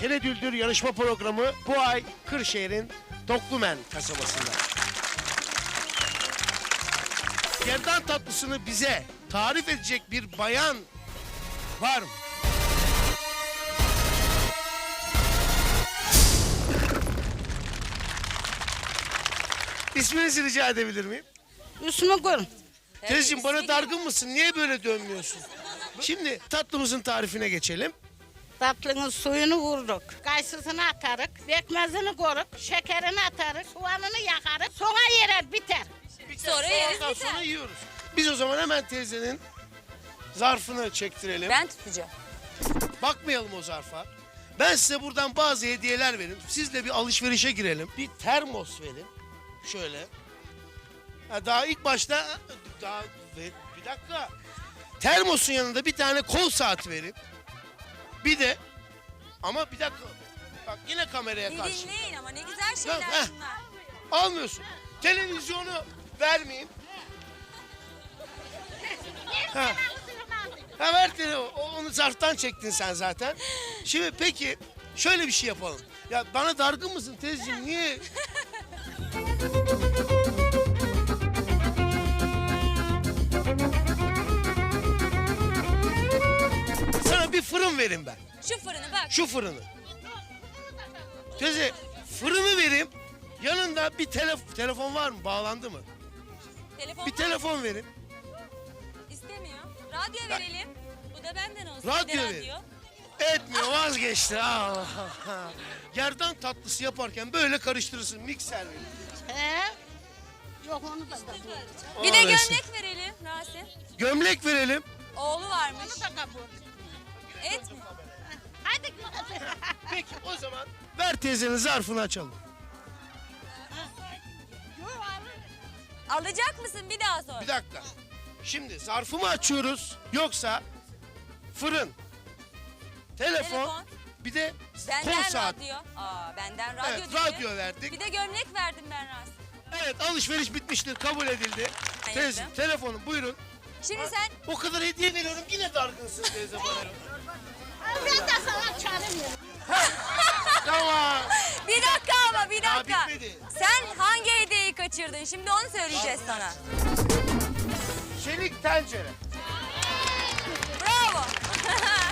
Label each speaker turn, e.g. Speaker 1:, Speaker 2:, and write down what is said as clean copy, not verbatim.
Speaker 1: Teledüldür yarışma programı bu ay Kırşehir'in Doklumen kasabasında. Gerdan tatlısını bize tarif edecek bir bayan var mı? İsminizi rica edebilir miyim?
Speaker 2: Üstümü görün.
Speaker 1: Teyzeciğim bana dargın mısın? Niye böyle dönmüyorsun? Şimdi tatlımızın tarifine geçelim.
Speaker 2: Tatlının suyunu vurduk. Kayısısını atarık. Pekmezini koruk. Şekerini atarık. Soğanını yakarık. Sonra yere biter.
Speaker 3: Sonra yeriz
Speaker 1: Ondan
Speaker 3: biter.
Speaker 1: sonra yiyoruz. Biz o zaman hemen teyzenin zarfını çektirelim.
Speaker 3: Ben tutacağım.
Speaker 1: Bakmayalım o zarfa. Ben size buradan bazı hediyeler vereyim. Sizle bir alışverişe girelim. Bir termos verin. Şöyle. Ha, daha ilk başta bir dakika. Termosun yanında bir tane kol saati verin. Bir de ama bir dakika. Bak yine kameraya
Speaker 3: Bir
Speaker 1: karşı.
Speaker 3: dinleyin ama ne güzel
Speaker 1: Heh.
Speaker 3: şeyler bunlar.
Speaker 1: Almıyorsun. Televizyonu vermeyeyim. Ha. Ha ver onu zarftan çektin sen zaten. Şimdi peki şöyle bir şey yapalım. Ya bana dargın mısın teyzeciğim niye? Sana bir fırın verin ben.
Speaker 3: Şu fırını bak.
Speaker 1: Şu fırını. Teyze fırını vereyim. Yanında bir telefon var mı? Bağlandı mı?
Speaker 3: Telefon
Speaker 1: Bir
Speaker 3: var.
Speaker 1: telefon verin.
Speaker 3: İstemiyor. Radyo verelim. Bu da benden olsun.
Speaker 1: Radyo
Speaker 3: Bir de
Speaker 1: verin. Etmiyor vazgeçti. Allah. Gerdan tatlısı yaparken böyle karıştırırsın mikser verin.
Speaker 2: He? Yok onu da kabul.
Speaker 3: Bir de
Speaker 1: Aa, neyse.
Speaker 3: gömlek verelim Rasim.
Speaker 1: Gömlek verelim.
Speaker 3: Oğlu varmış.
Speaker 2: Onu da kabul.
Speaker 3: Et mi?
Speaker 2: Hadi.
Speaker 1: Peki o zaman ver teyzenin zarfını açalım.
Speaker 3: Alacak mısın bir daha sor.
Speaker 1: Bir dakika. Şimdi zarfı mı açıyoruz yoksa fırın, telefon, bir de kol
Speaker 3: Benden
Speaker 1: saat.
Speaker 3: radyo. Benden radyo
Speaker 1: Evet,
Speaker 3: dedi.
Speaker 1: radyo verdik.
Speaker 3: Bir de gömlek verdim ben Rasim.
Speaker 1: Evet alışveriş bitmiştir kabul edildi.
Speaker 3: Hayırlı.
Speaker 1: Teyze telefonun buyurun.
Speaker 3: Şimdi sen
Speaker 1: O kadar hediye veriyorum yine dargınsın teyze bana.
Speaker 2: Ben de sana çağırmıyorum.
Speaker 1: Tamam.
Speaker 3: bir dakika ama bir
Speaker 1: Daha
Speaker 3: dakika.
Speaker 1: bitmedi.
Speaker 3: Sen hangi hediyeyi kaçırdın? Şimdi onu söyleyeceğiz sana.
Speaker 1: Çelik tencere.
Speaker 3: Bravo.